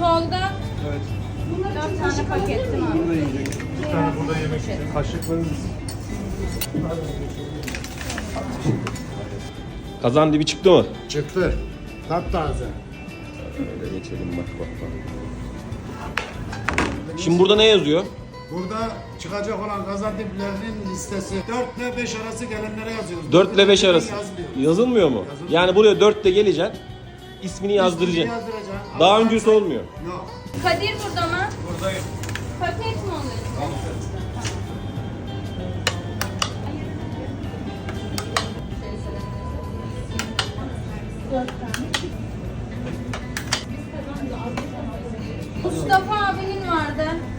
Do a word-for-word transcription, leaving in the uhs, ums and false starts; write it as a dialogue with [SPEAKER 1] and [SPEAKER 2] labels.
[SPEAKER 1] Tolga.
[SPEAKER 2] Evet.
[SPEAKER 1] Dört tane paket değil mi?
[SPEAKER 2] Burada yiyecek. Bir tane burada yemek için. Kaşıklarınız.
[SPEAKER 3] Kazan dibi çıktı mı?
[SPEAKER 4] Çıktı. Taptaze.
[SPEAKER 3] Öyle geçelim bak bak bak. Şimdi burada ne yazıyor?
[SPEAKER 4] Burada çıkacak olan kazan diplerinin listesi dört ile beş arası gelenlere yazıyoruz.
[SPEAKER 3] dört ile beş arası.
[SPEAKER 4] Yazmıyor.
[SPEAKER 3] Yazılmıyor mu?
[SPEAKER 4] Yazılmıyor.
[SPEAKER 3] Yani buraya dörtte geleceksin. İsmini yazdıracaksın.
[SPEAKER 4] Yazdıracaksın.
[SPEAKER 3] Daha
[SPEAKER 4] Ama
[SPEAKER 3] öncesi
[SPEAKER 4] sen-
[SPEAKER 3] olmuyor.
[SPEAKER 4] Yok.
[SPEAKER 1] Kadir burada mı?
[SPEAKER 2] Buradayım.
[SPEAKER 1] Paket mi alıyorsun? Mustafa abinin vardı.